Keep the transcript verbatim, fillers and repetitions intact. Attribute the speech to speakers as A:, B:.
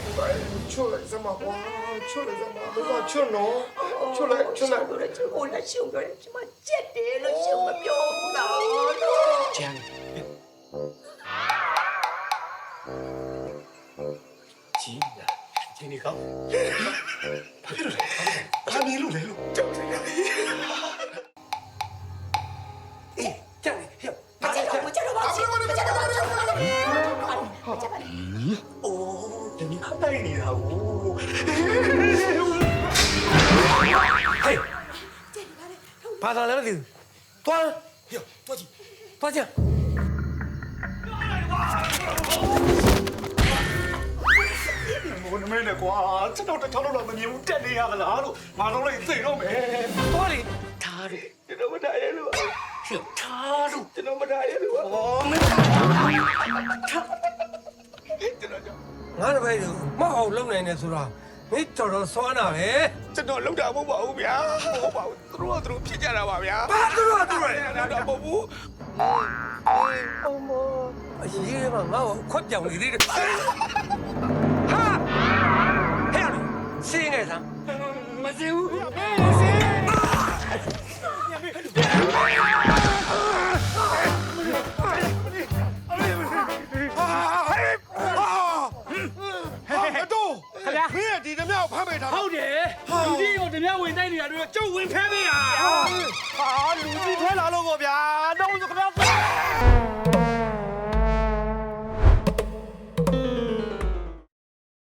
A: ချွတ်လိုက်စမ်းပါကွာချွတ်လိုက်စမ်းပါဘာချွတ်နော်ချွတ်လိုက်ချွတ်လိုက်
B: ပြောတယ်ဟိုလည်းရှုံပြောတယ်ကျမကြက်တယ်လို့ရှုံမပြောဘူးတော့
A: ကျန်ကြီးလာဒီနေ့ကောဘာဖြစ်လို့လဲဘာနေလို့လဲလို့ကြောက်နေတယ်အေးကျန်ဟဲ့
B: မကြက်တော့မကြက်တော့ပါဘူးမကြက်တော့ပါဘူးဟာကြက်ပါလေ
A: အိုးဒီနေ့ခတ်တိုင်းနေတာကိုဟေး
C: ဘာသာလဲမသိဘူးတွား
A: ဟေ့တွားကြည့်
C: တွားကြ
A: ဘုန်းမင်းနဲ့ကွာကျွန်တော်တစ်ချောင်းလောက်မမြင်ဘူးတက်နေရသလားလို့ငါတော့လည်းသိတော့မယ်
C: တွားလေ
A: ထားတယ်ကျွန်တော်မထားရလို့ထားလို့ကျွန်တော်မထားရလို့
C: ဩမင်း
A: ကျွန်တော်
C: ငါတပည့်ကိုမအောင်လုံနိုင်နေဆိုတာမင်းတော်တော်စွမ်းတာပဲ
A: ကျွန်တော်လောက်တာမဟုတ်ပါဘူးဗျာဟုတ်ပါဘူးသူတို့ကသူတို့ဖြစ်ကြတာပါဗျာ
C: ဘာသူတို့သူတို့
A: လောက်တာမဟုတ်ဘူး
C: အမအရေးမငါ့ကိုခွက်ပြောင်နေသေးတယ်ဟာဟဲ့စင်းနေစမ်း
A: မစင်ဘူး
D: အတော့ခင်ဗျာမင်းဒီဓမြကိုဖမ်းပေးထား
E: ဟုတ်တယ်လူကြီးကိုဓမြဝင်တိုက်နေတာတို့ကျုပ်ဝင်ဖဲပေးတာ
D: ဟာလူကြီးထဲလာလို့ပေါ့ဗျာတော့ဆိုခင်ဗျာ